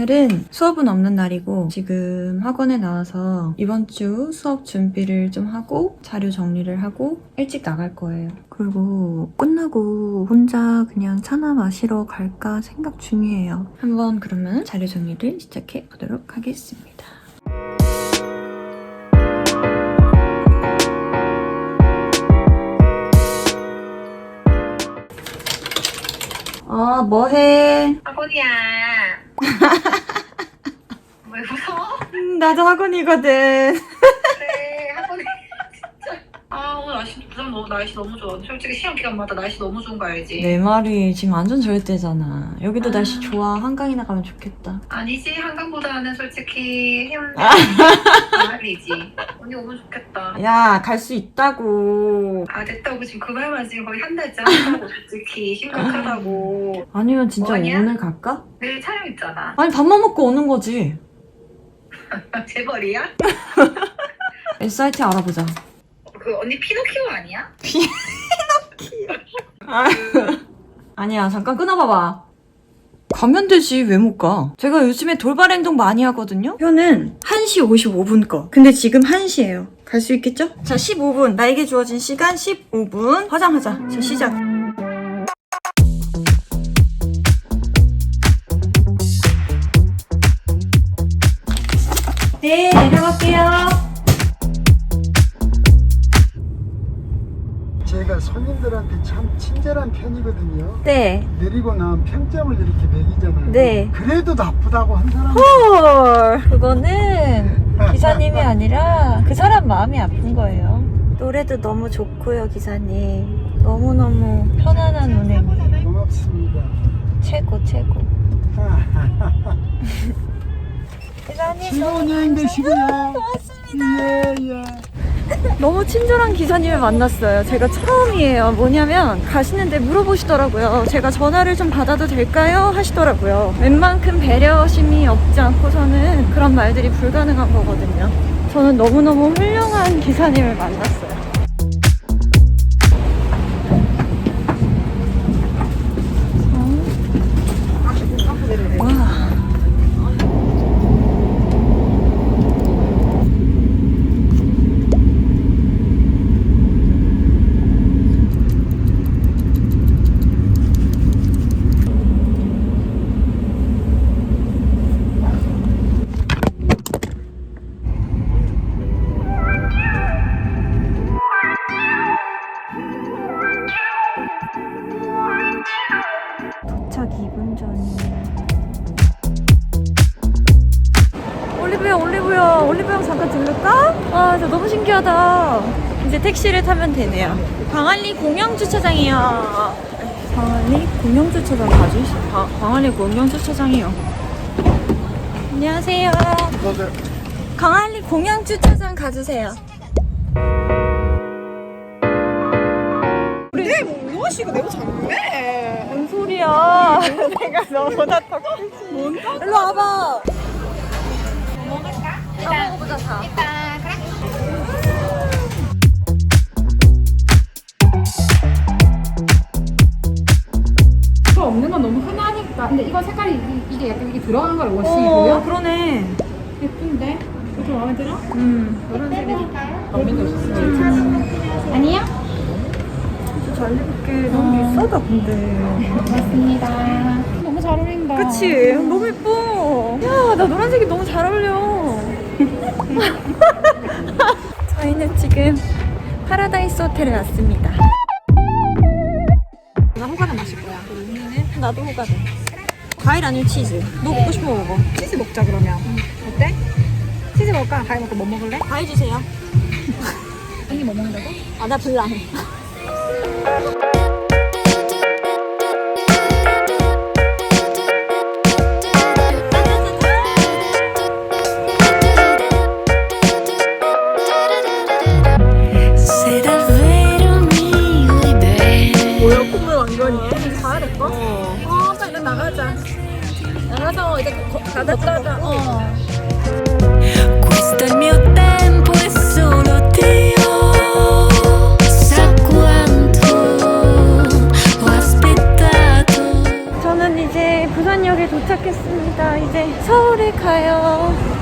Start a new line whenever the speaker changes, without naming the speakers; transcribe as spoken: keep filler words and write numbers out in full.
오늘은 수업은 없는 날이고 지금 학원에 나와서 이번 주 수업 준비를 좀 하고 자료 정리를 하고 일찍 나갈 거예요. 그리고 끝나고 혼자 그냥 차나 마시러 갈까 생각 중이에요. 한번 그러면 자료 정리를 시작해 보도록 하겠습니다. 어, 뭐해?
학원이야. 왜 웃어?
음, 나도 학원이거든.
그래, 학원에 진짜. 아, 오늘 날씨, 부산 너무, 날씨 너무 좋아. 솔직히 시험 기간마다 날씨 너무 좋은 거 알지?
내 말이 지금 완전 좋을 때잖아. 여기도
아.
날씨 좋아. 한강이나 가면 좋겠다.
아니지, 한강보다는 솔직히 해운대 가을이지. 언니 오면 좋겠다.
야, 갈 수 있다고.
아, 됐다고 지금 그 말만 지금 거의 한 달째 한다고 솔직히 심각하다고.
아니면 진짜
뭐하냐?
오늘 갈까?
내일 촬영 있잖아.
아니, 밥만 먹고 오는 거지.
재벌이야?
에스아이티 알아보자.
그 언니 피노키오 아니야?
아니야, 잠깐 끊어봐봐. 가면 되지, 왜 못 가? 제가 요즘에 돌발 행동 많이 하거든요? 표는 한 시 오십오 분 거. 근데 지금 한 시예요. 갈 수 있겠죠? 자, 십오 분. 나에게 주어진 시간 십오 분. 화장하자. 자, 시작. 네, 내려갈게요.
제가 손님들한테 참 친절한 편이거든요.
네.
내리고 나면 평점을 이렇게 매기잖아요.
네.
그래도 나쁘다고 한 사람은
헐, 그거는 기사님이 아니라 그 사람 마음이 아픈 거예요. 노래도 너무 좋고요, 기사님. 너무너무 편안한 운행이
고맙습니다.
최고, 최고. 기사님
즐거운 여행 되시고요.
고맙습니다.
예, 예.
너무 친절한 기사님을 만났어요. 제가 처음이에요. 뭐냐면 가시는데 물어보시더라고요. 제가 전화를 좀 받아도 될까요? 하시더라고요. 웬만큼 배려심이 없지 않고서는 그런 말들이 불가능한 거거든요. 저는 너무너무 훌륭한 기사님을 만났어요. 와. 도착 이 분 전이에요. 올리브영, 올리브영, 올리브영 잠깐 들를까? 와, 진짜 너무 신기하다. 이제 택시를 타면 되네요. 광안리 공영주차장이요. 광안리 공영주차장 가지? 아, 광안리 공영주차장이요. 안녕하세요. 광안리 공영주차장 가주세요.
내 무엇이고 내가 작네.
뭔 소리야? 내가 너보다 더 크지.
뭔가?
일로 와봐.
뭐 먹을까?
다 먹어보자, 다.
일단 그래.
이거 없는 건 너무 흔하니까. 근데 이거 색깔이 이- 이게 약간 이게 들어간 걸
어,
원식이고요.
그러네.
예쁜데? 이거 마음에 들어?
음.
노란색이 너무 오셨어요. 아니요?
잘 입을게. 너무 비싸다, 근데.
맞습니다. 너무 잘 어울린다.
그치? 너무 예뻐. 야, 나 노란색이 너무 잘 어울려. 저희는 지금 파라다이스 호텔에 왔습니다.
나 호가는 마실 거야. 언니는
나도 호가네. 과일 아니면 치즈. 너 먹고 싶은 거 먹어.
치즈 먹자 그러면. 어때? 치즈 먹을까? 과일 먹고 뭐 먹을래?
과일 주세요.
언니 뭐 먹는다고?
아, 나 블랑. 뭐야, 콧물 왕건이에? 이제 가야 될까? 어.
어, 빨리 나가자. 나가서 이제 걷다가 어.
Questo è il mio tempo e solo Dio sa quanto
도착했습니다. 이제 서울에 가요.